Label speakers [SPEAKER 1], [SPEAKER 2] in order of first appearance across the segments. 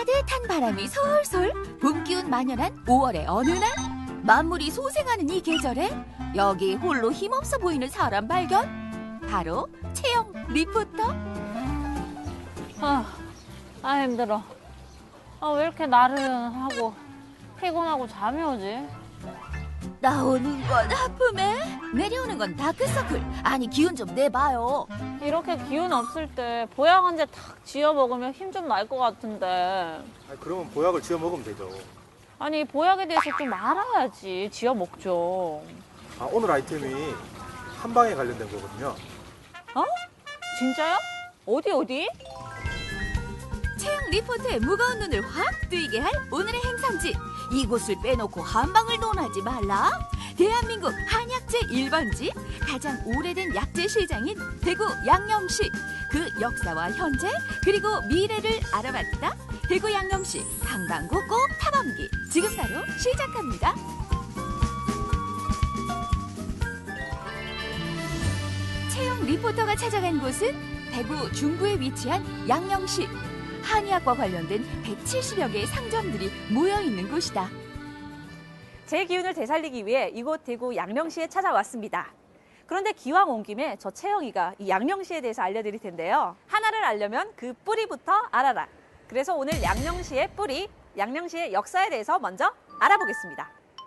[SPEAKER 1] 따뜻한 바람이 솔솔 봄 기운 만연한 5월의 어느 날 만물이 소생하는 이 계절에 여기 홀로 힘없어 보이는 사람 발견. 바로 채영 리포터.
[SPEAKER 2] 힘들어. 왜 이렇게 나른하고 피곤하고 잠이 오지?
[SPEAKER 1] 나오는 건 하품에 내려오는 건 다크서클. 아니 기운 좀 내봐요.
[SPEAKER 2] 이렇게 기운 없을 때 보약 한 제 탁 지어 먹으면 힘 좀 날 것 같은데.
[SPEAKER 3] 그러면 보약을 지어 먹으면 되죠.
[SPEAKER 2] 아니 보약에 대해서 좀 알아야지 지어 먹죠.
[SPEAKER 3] 오늘 아이템이 한방에 관련된 거거든요.
[SPEAKER 2] 진짜요? 어디?
[SPEAKER 1] 채영 리포터의 무거운 눈을 확 뜨이게 할 오늘의 행성지. 이곳을 빼놓고 한방을 논하지 말라. 대한민국 한약재 1번지, 가장 오래된 약재 시장인 대구 양령시. 그 역사와 현재 그리고 미래를 알아봤다. 대구 양령시 한방구 꼭 탐험기. 지금 바로 시작합니다. 채영 리포터가 찾아간 곳은 대구 중구에 위치한 양령시. 한의학과 관련된 170여 개의 상점들이 모여있는 곳이다.
[SPEAKER 4] 제 기운을 되살리기 위해 이곳 대구 양령시에 찾아왔습니다. 그런데 기왕 온 김에 저 채영이가 이 양령시에 대해서 알려드릴 텐데요. 하나를 알려면 그 뿌리부터 알아라. 그래서 오늘 양령시의 뿌리, 양령시의 역사에 대해서 먼저 알아보겠습니다.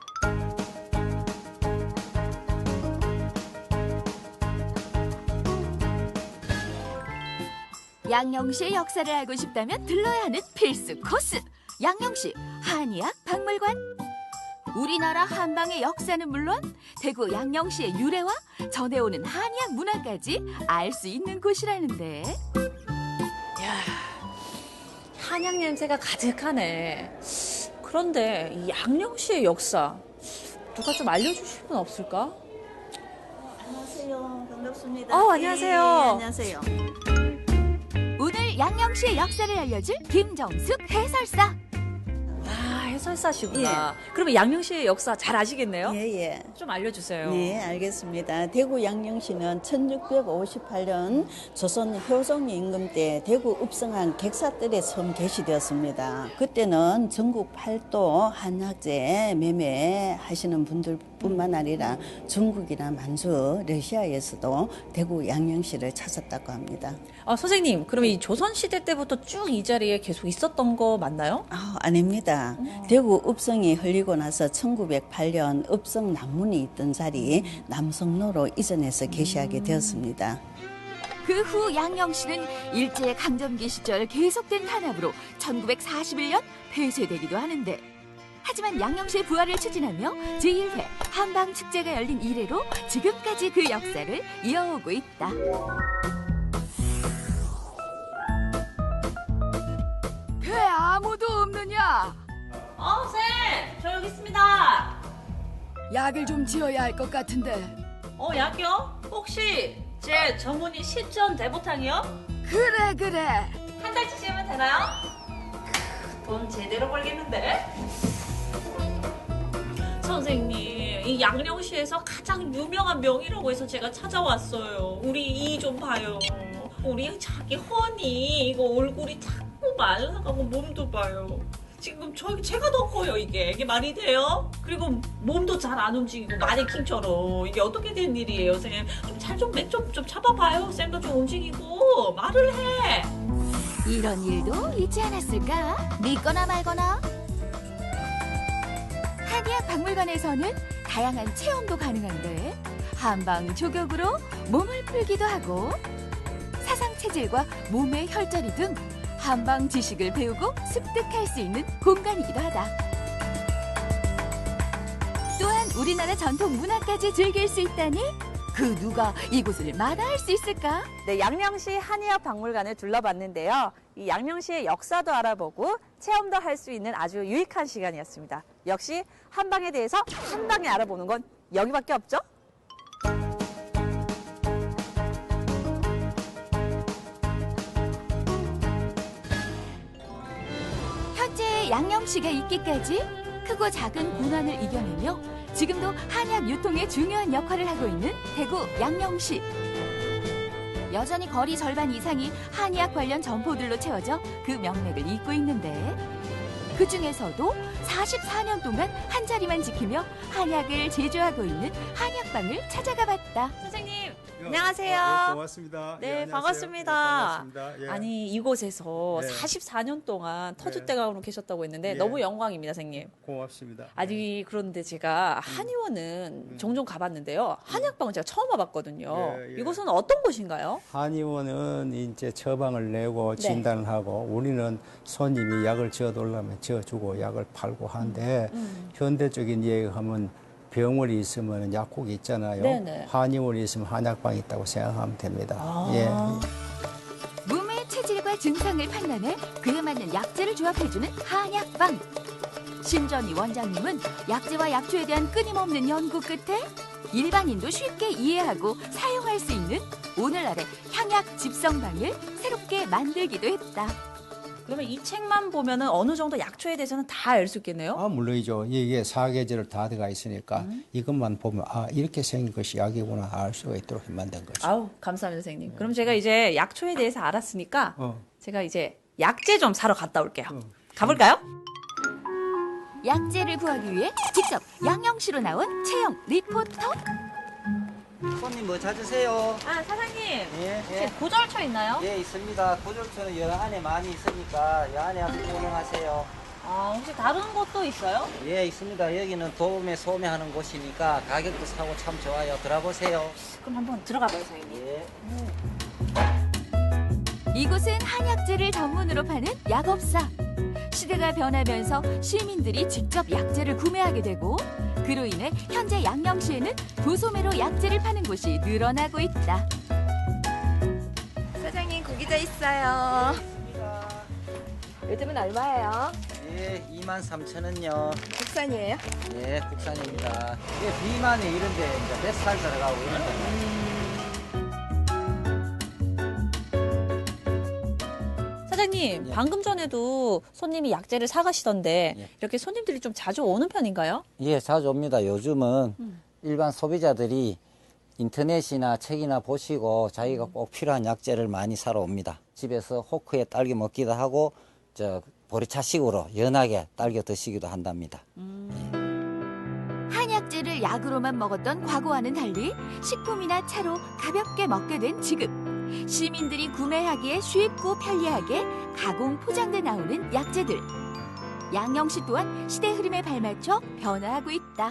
[SPEAKER 1] 양령시의 역사를 알고 싶다면 들러야 하는 필수 코스. 양령시 한의학 박물관. 우리나라 한방의 역사는 물론 대구 양령시의 유래와 전해오는 한의학 문화까지 알 수 있는 곳이라는데.
[SPEAKER 5] 한약 냄새가 가득하네. 그런데 이 양령시의 역사 누가 좀 알려주실 분 없을까?
[SPEAKER 6] 안녕하세요. 반갑습니다.
[SPEAKER 4] 안녕하세요.
[SPEAKER 6] 네, 안녕하세요.
[SPEAKER 1] 오늘 양령시의 역사를 알려줄 김정숙 해설사.
[SPEAKER 5] 해설사시구나. 그러면 양령시의 역사 잘 아시겠네요?
[SPEAKER 6] 예.
[SPEAKER 5] 좀 알려주세요.
[SPEAKER 6] 네, 알겠습니다. 대구 양령시는 1658년 조선 효종 임금 때 대구 읍성한 객사들의 처음 개시되었습니다. 그때는 전국 팔도 한약재 매매하시는 분들뿐만 아니라 중국이나 만주, 러시아에서도 대구 양령시를 찾았다고 합니다.
[SPEAKER 5] 선생님, 그러면 이 조선시대 때부터 쭉 이 자리에 계속 있었던 거 맞나요?
[SPEAKER 6] 아닙니다. 대구 읍성이 흘리고 나서 1908년 읍성 남문이 있던 자리 남성로로 이전해서 개시하게 되었습니다.
[SPEAKER 1] 그 후 양령시는 일제 강점기 시절 계속된 탄압으로 1941년 폐쇄되기도 하는데, 하지만 양령시의 부활을 추진하며 제1회 한방축제가 열린 이래로 지금까지 그 역사를 이어오고 있다. 배 아무도 없느냐?
[SPEAKER 2] 쌤! 저 여기 있습니다.
[SPEAKER 1] 약을 좀 지어야 할 것 같은데.
[SPEAKER 2] 약이요? 혹시 제 전문이 시전 대보탕이요?
[SPEAKER 1] 그래.
[SPEAKER 2] 한 달치 씌우면 되나요? 돈 제대로 벌겠는데? 선생님, 이 양령시에서 가장 유명한 명이라고 해서 제가 찾아왔어요. 우리 이 좀 봐요. 우리 자기 허니 이거 얼굴이 자꾸 말라가고 몸도 봐요. 지금 제가 더 커요. 이게 말이 돼요? 그리고 몸도 잘 안 움직이고 마네킹처럼. 이게 어떻게 된 일이에요, 선생님? 좀 잡아봐요. 쌤도 좀 움직이고 말을 해.
[SPEAKER 1] 이런 일도 있지 않았을까? 믿거나 말거나. 한의학 박물관에서는 다양한 체험도 가능한데 한방 조격으로 몸을 풀기도 하고 사상 체질과 몸의 혈자리 등 한방 지식을 배우고 습득할 수 있는 공간이기도 하다. 또한 우리나라 전통 문화까지 즐길 수 있다니 그 누가 이곳을 마다할 수 있을까?
[SPEAKER 4] 네, 양령시 한의학 박물관을 둘러봤는데요. 이 양령시의 역사도 알아보고 체험도 할 수 있는 아주 유익한 시간이었습니다. 역시 한방에 대해서 한 방에 알아보는 건 여기밖에 없죠?
[SPEAKER 1] 현재 양령시가 있기까지 크고 작은 고난을 이겨내며 지금도 한약 유통에 중요한 역할을 하고 있는 대구 양령시. 여전히 거리 절반 이상이 한의학 관련 점포들로 채워져 그 명맥을 잇고 있는데 그 중에서도 44년 동안 한 자리만 지키며 한약을 제조하고 있는 한약방을 찾아가 봤다.
[SPEAKER 4] 선생님,
[SPEAKER 3] 네,
[SPEAKER 4] 안녕하세요.
[SPEAKER 3] 고맙습니다.
[SPEAKER 4] 네,
[SPEAKER 3] 예, 안녕하세요.
[SPEAKER 4] 반갑습니다.
[SPEAKER 3] 예, 반갑습니다. 예.
[SPEAKER 4] 아니, 이곳에서
[SPEAKER 3] 네.
[SPEAKER 4] 44년 동안 터줏대감으로 계셨다고 했는데
[SPEAKER 3] 예.
[SPEAKER 4] 너무 영광입니다, 선생님.
[SPEAKER 3] 고맙습니다.
[SPEAKER 4] 아니, 그런데 제가 한의원은 종종 가봤는데요. 한약방은 제가 처음 와봤거든요.
[SPEAKER 3] 예, 예.
[SPEAKER 4] 이곳은 어떤 곳인가요?
[SPEAKER 7] 한의원은 이제 처방을 내고
[SPEAKER 4] 네.
[SPEAKER 7] 진단을 하고 우리는 손님이 약을 지어달라면 지어주고 약을 팔고 하는데 현대적인 얘기하면 병원이 있으면 약국이 있잖아요.
[SPEAKER 4] 네네.
[SPEAKER 7] 한의원이 있으면 한약방이 있다고 생각하면 됩니다.
[SPEAKER 4] 아.
[SPEAKER 7] 예.
[SPEAKER 1] 몸의 체질과 증상을 판단해 그에 맞는 약재를 조합해주는 한약방. 신전희 원장님은 약재와 약초에 대한 끊임없는 연구 끝에 일반인도 쉽게 이해하고 사용할 수 있는 오늘날의 향약 집성방을 새롭게 만들기도 했다.
[SPEAKER 4] 그러면 이 책만 보면은 어느 정도 약초에 대해서는 다 알 수 있겠네요?
[SPEAKER 7] 아, 물론이죠. 이게 사계절을 다 들어가 있으니까 이것만 보면 아, 이렇게 생긴 것이 약이구나 알 수가 있도록 만든 거죠.
[SPEAKER 4] 아우, 감사합니다, 선생님. 그럼 제가 이제 약초에 대해서 알았으니까
[SPEAKER 7] 어.
[SPEAKER 4] 제가 이제 약재 좀 사러 갔다 올게요. 가볼까요?
[SPEAKER 1] 약재를 구하기 위해 직접 양영시로 나온 채영 리포터.
[SPEAKER 8] 손님 뭐 찾으세요?
[SPEAKER 4] 아, 사장님.
[SPEAKER 8] 예,
[SPEAKER 4] 혹시 고절초 있나요?
[SPEAKER 8] 예, 있습니다. 고졸초는 여 안에 많이 있으니까 여 안에 한번 구경하세요.
[SPEAKER 4] 아, 혹시 다른 곳도 있어요?
[SPEAKER 8] 예, 있습니다. 여기는 도매 소매하는 곳이니까 가격도 사고 참 좋아요. 들어보세요.
[SPEAKER 4] 그럼 한번 들어가 봐요, 선생님.
[SPEAKER 8] 예.
[SPEAKER 1] 이곳은 한약재를 전문으로 파는 약업사. 시대가 변하면서 시민들이 직접 약재를 구매하게 되고 그로 인해 현재 양령시에는 도소매로 약재를 파는 곳이 늘어나고 있다.
[SPEAKER 9] 사장님 고기자 있어요.
[SPEAKER 8] 있습니다.
[SPEAKER 9] 요즘은 얼마예요?
[SPEAKER 8] 예, 23,000원요.
[SPEAKER 9] 국산이에요?
[SPEAKER 8] 예, 국산입니다. 예, 비만에 이런데 이제 뱃살 들어가고 이런 거.
[SPEAKER 4] 사장님,
[SPEAKER 8] 예.
[SPEAKER 4] 방금 전에도 손님이 약재를 사가시던데
[SPEAKER 8] 예.
[SPEAKER 4] 이렇게 손님들이 좀 자주 오는 편인가요?
[SPEAKER 8] 예, 자주 옵니다. 요즘은 일반 소비자들이 인터넷이나 책이나 보시고 자기가 꼭 필요한 약재를 많이 사러 옵니다. 집에서 호크에 딸겨 먹기도 하고 저 보리차식으로 연하게 딸겨 드시기도 한답니다.
[SPEAKER 1] 한약재를 약으로만 먹었던 과거와는 달리 식품이나 차로 가볍게 먹게 된 지금. 시민들이 구매하기에 쉽고 편리하게 가공 포장돼 나오는 약재들. 양영시 또한 시대 흐름에 발맞춰 변화하고 있다.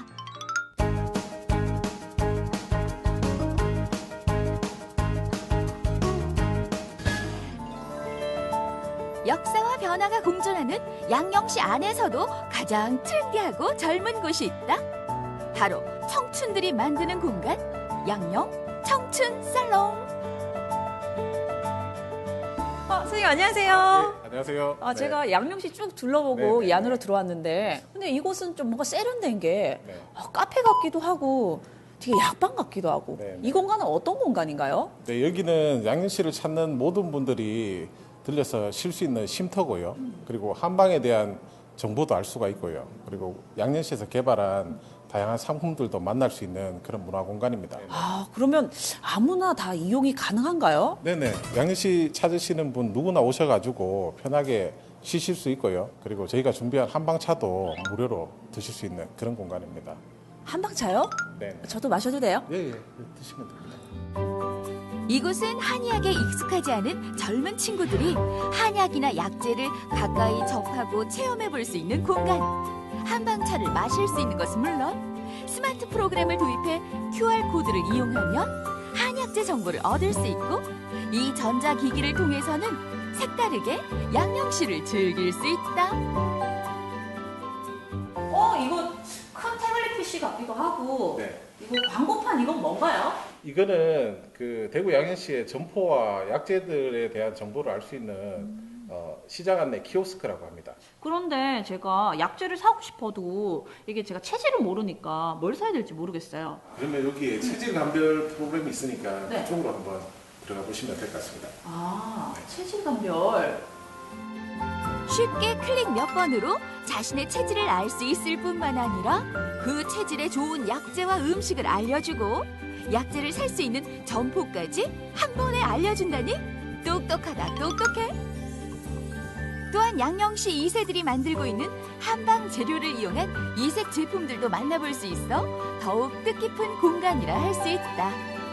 [SPEAKER 1] 역사와 변화가 공존하는 양영시 안에서도 가장 트렌디하고 젊은 곳이 있다. 바로 청춘들이 만드는 공간, 양영 청춘 살롱.
[SPEAKER 4] 선생님 안녕하세요.
[SPEAKER 3] 네, 안녕하세요.
[SPEAKER 4] 아,
[SPEAKER 3] 네.
[SPEAKER 4] 제가 양명시 쭉 둘러보고
[SPEAKER 3] 네,
[SPEAKER 4] 이 안으로
[SPEAKER 3] 네.
[SPEAKER 4] 들어왔는데 근데 이곳은 좀 뭔가 세련된 게
[SPEAKER 3] 네.
[SPEAKER 4] 카페 같기도 하고 되게 약방 같기도 하고
[SPEAKER 3] 네, 네.
[SPEAKER 4] 이 공간은 어떤 공간인가요?
[SPEAKER 10] 네, 여기는 양녕시를 찾는 모든 분들이 들려서 쉴 수 있는 쉼터고요. 그리고 한방에 대한 정보도 알 수가 있고요. 그리고 양녕시에서 개발한 다양한 상품들도 만날 수 있는 그런 문화 공간입니다.
[SPEAKER 4] 아, 그러면 아무나 다 이용이 가능한가요?
[SPEAKER 10] 네네. 양녕시 찾으시는 분 누구나 오셔가지고 편하게 쉬실 수 있고요. 그리고 저희가 준비한 한방차도 무료로 드실 수 있는 그런 공간입니다.
[SPEAKER 4] 한방차요?
[SPEAKER 10] 네.
[SPEAKER 4] 저도 마셔도 돼요?
[SPEAKER 10] 예, 예. 드시면 됩니다.
[SPEAKER 1] 이곳은 한의학에 익숙하지 않은 젊은 친구들이 한약이나 약재를 가까이 접하고 체험해 볼 수 있는 공간. 한방차를 마실 수 있는 것은 물론 스마트 프로그램을 도입해 QR코드를 이용하면 한약재 정보를 얻을 수 있고 이 전자기기를 통해서는 색다르게 양영시를 즐길 수 있다.
[SPEAKER 4] 이거 큰 태블릿 PC 같기도 하고
[SPEAKER 10] 네.
[SPEAKER 4] 이거 광고판 이건 뭔가요?
[SPEAKER 10] 이거는 그 대구 양현시의 점포와 약재들에 대한 정보를 알 수 있는 시장 안내 키오스크라고 합니다.
[SPEAKER 4] 그런데 제가 약재를 사고 싶어도 이게 제가 체질을 모르니까 뭘 사야 될지 모르겠어요.
[SPEAKER 10] 그러면 여기에 체질 감별 프로그램이 있으니까
[SPEAKER 4] 네.
[SPEAKER 10] 그쪽으로 한번 들어가 보시면 될 것 같습니다.
[SPEAKER 4] 아, 체질 감별.
[SPEAKER 1] 쉽게 클릭 몇 번으로 자신의 체질을 알 수 있을 뿐만 아니라 그 체질에 좋은 약재와 음식을 알려주고 약재를 살 수 있는 점포까지 한 번에 알려준다니 똑똑하다 똑똑해. 또한 양령시 2세들이 만들고 있는 한방 재료를 이용한 이색 제품들도 만나볼 수 있어 더욱 뜻깊은 공간이라 할 수 있다.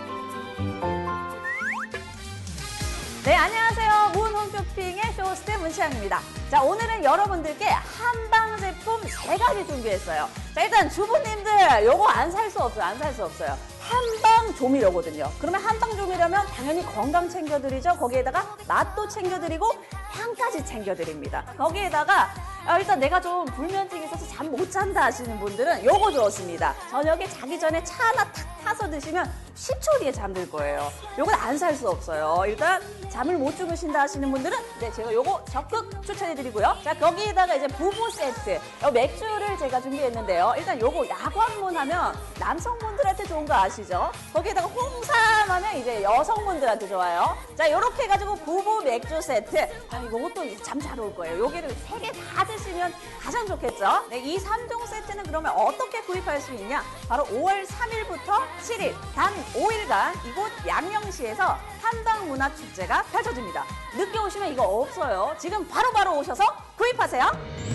[SPEAKER 4] 네, 안녕하세요. 문 홈쇼핑의 쇼호스트 문치영입니다. 자, 오늘은 여러분들께 한방 제품 3가지 준비했어요. 자, 일단 주부님들 요거 안 살 수 없어요. 안 살 수 없어요. 한방 조미료거든요. 그러면 한방 조미료면 당연히 건강 챙겨드리죠. 거기에다가 맛도 챙겨드리고 향까지 챙겨드립니다. 거기에다가 일단 내가 좀 불면증이 있어서 잠 못 잔다 하시는 분들은 요거 좋습니다. 저녁에 자기 전에 차 하나 탁 타서 드시면 10초 뒤에 잠들 거예요. 요건 안 살 수 없어요. 일단 잠을 못 주무신다 하시는 분들은 네, 제가 요거 적극 추천해드리고요. 자, 거기에다가 이제 부부 세트. 맥주를 제가 준비했는데요. 일단 요거 야광문 하면 남성분들한테 좋은 거 아시죠? 거기에다가 홍삼 하면 이제 여성분들한테 좋아요. 자, 요렇게 해가지고 부부 맥주 세트. 요것도 참 잘 올 거예요. 요게를 3개 다 드시면 가장 좋겠죠? 네, 이 3종 세트는 그러면 어떻게 구입할 수 있냐? 바로 5월 3일부터 7일, 단 5일간 이곳 양령시에서 한방문화축제가 펼쳐집니다. 늦게 오시면 이거 없어요. 지금 바로바로 오셔서 구입하세요.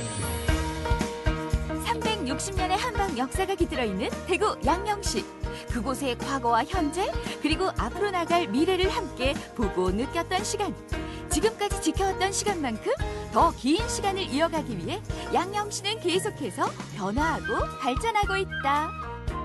[SPEAKER 1] 360년의 한방 역사가 깃들어 있는 대구 양령시. 그곳의 과거와 현재 그리고 앞으로 나갈 미래를 함께 보고 느꼈던 시간. 지금까지 지켜왔던 시간만큼 더 긴 시간을 이어가기 위해 양령시는 계속해서 변화하고 발전하고 있다.